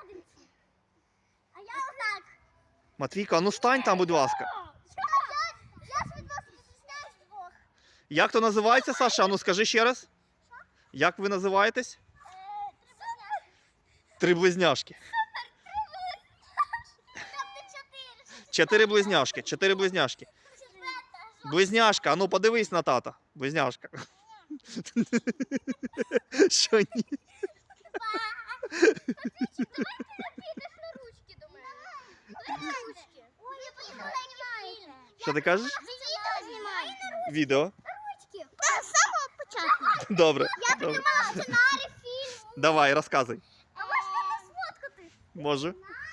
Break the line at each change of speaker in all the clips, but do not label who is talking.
сходинці. А я отак.
Матвійка, ну стань там, будь ласка.
Я ж від вас відрізняюсь двох.
Як то називається, Саша? А ну скажи ще раз. Як ви називаєтесь? Три близняшки. Чотири близняшки. Чотири близняшки. Близняшка, а ну подивись на тата. Близняшка. Що ні? Що ти кажеш? Відео.
З самого початку.
Добре.
Я
Добре.
придумала сценарій фільму.
Давай, розказуй.
А можете не сфоткати?
Можу.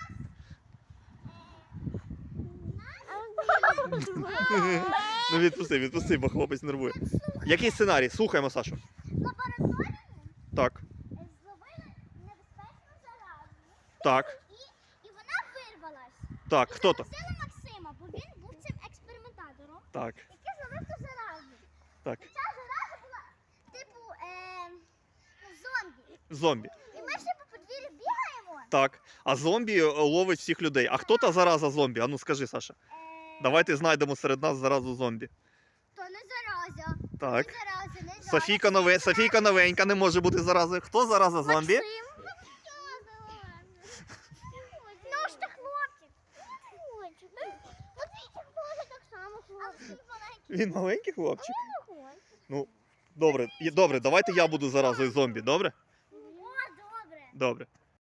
Ну відпусти, бо хлопець нервує. Який сценарій? Слухаємо, Сашу.
В лабораторії
Так,
зловили небезпечну заразу.
так,
І вона вирвалась.
так. Хто то?
Запросили Максима, бо він був цим експериментатором,
Так,
який зловив ту заразу.
так.
Ця зараза була типу зомбі.
Зомбі.
І ми ще по подвір'ю бігаємо.
Так. А зомбі ловить всіх людей. А хто та зараза зомбі? А ну скажи, Саша. Давайте знайдемо серед нас заразу зомбі.
То не зараза.
Так.
Не зараза, не зараза.
Софійка новенька не може бути заразою. Хто зараза зомбі?
Максим. Ну ж ти хлопчик. От він хлопчик так само хлопчик.
Він маленький хлопчик. Ну, добре, добре, давайте я буду заразою зомбі, добре?
О, добре.
Добре.